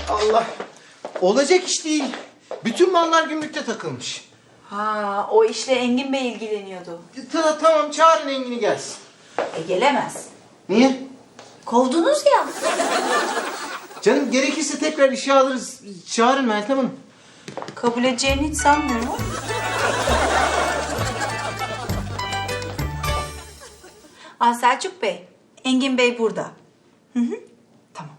Allah. Olacak iş değil. Bütün mallar gümrükte takılmış. Ha, o işle Engin Bey ilgileniyordu. Tamam, çağırın Engin'i gelsin. Gelemez. Niye? Kovdunuz ya. Canım gerekirse tekrar işe alırız. Çağırın Meltem Hanım. Kabul edeceğini hiç sanmıyorum. Selçuk Bey, Engin Bey burada. Hı hı. Tamam.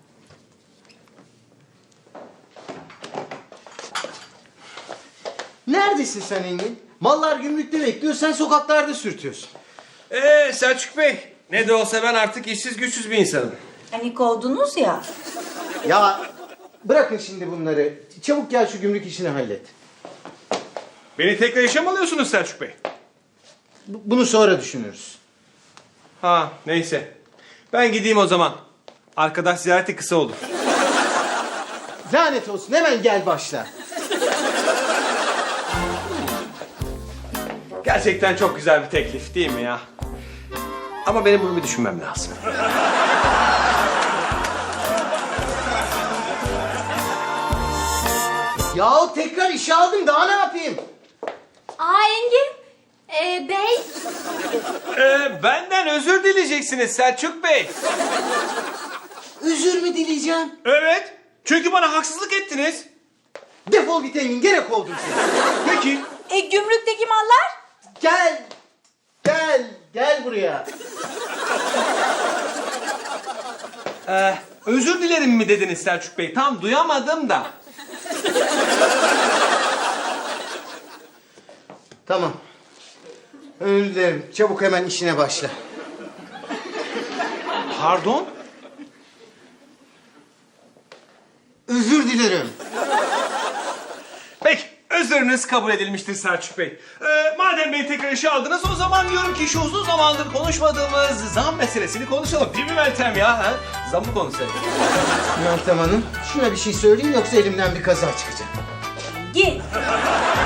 Neredesin sen Engin? Mallar gümrükte bekliyor, sen sokaklarda sürtüyorsun. Selçuk Bey, ne de olsa ben artık işsiz güçsüz bir insanım. Hani kovdunuz ya. Ya bırakın şimdi bunları. Çabuk gel şu gümrük işini hallet. Beni tekrar işe mi alıyorsunuz Selçuk Bey? Bunu sonra düşünürüz. Ha, neyse. Ben gideyim o zaman. Arkadaş ziyareti kısa olur. Lanet olsun, hemen gel başla. Gerçekten çok güzel bir teklif değil mi ya? Ama benim bunu bir düşünmem lazım. Yahu tekrar işe aldım, daha ne yapayım? Engin Bey. Benden özür dileyeceksiniz Selçuk Bey. Özür mü dileyeceğim? Evet. Çünkü bana haksızlık ettiniz. Defol git Engin, gene kovdum seni. Peki. Gümrükteki mallar? Gel buraya. Özür dilerim mi dediniz Selçuk Bey? Tam duyamadım da. Tamam. Özür dilerim, çabuk hemen işine başla. Pardon? Özür dilerim. Peki, özrünüz kabul edilmiştir Selçuk Bey. Madem beni tekrar işe aldınız, o zaman diyorum ki şu uzun zamandır konuşmadığımız zam meselesini konuşalım. Değil mi Meltem ya? Ha? Zammı konuşalım. Meltem Hanım, şuna bir şey söyleyeyim yoksa elimden bir kaza çıkacak. Engin.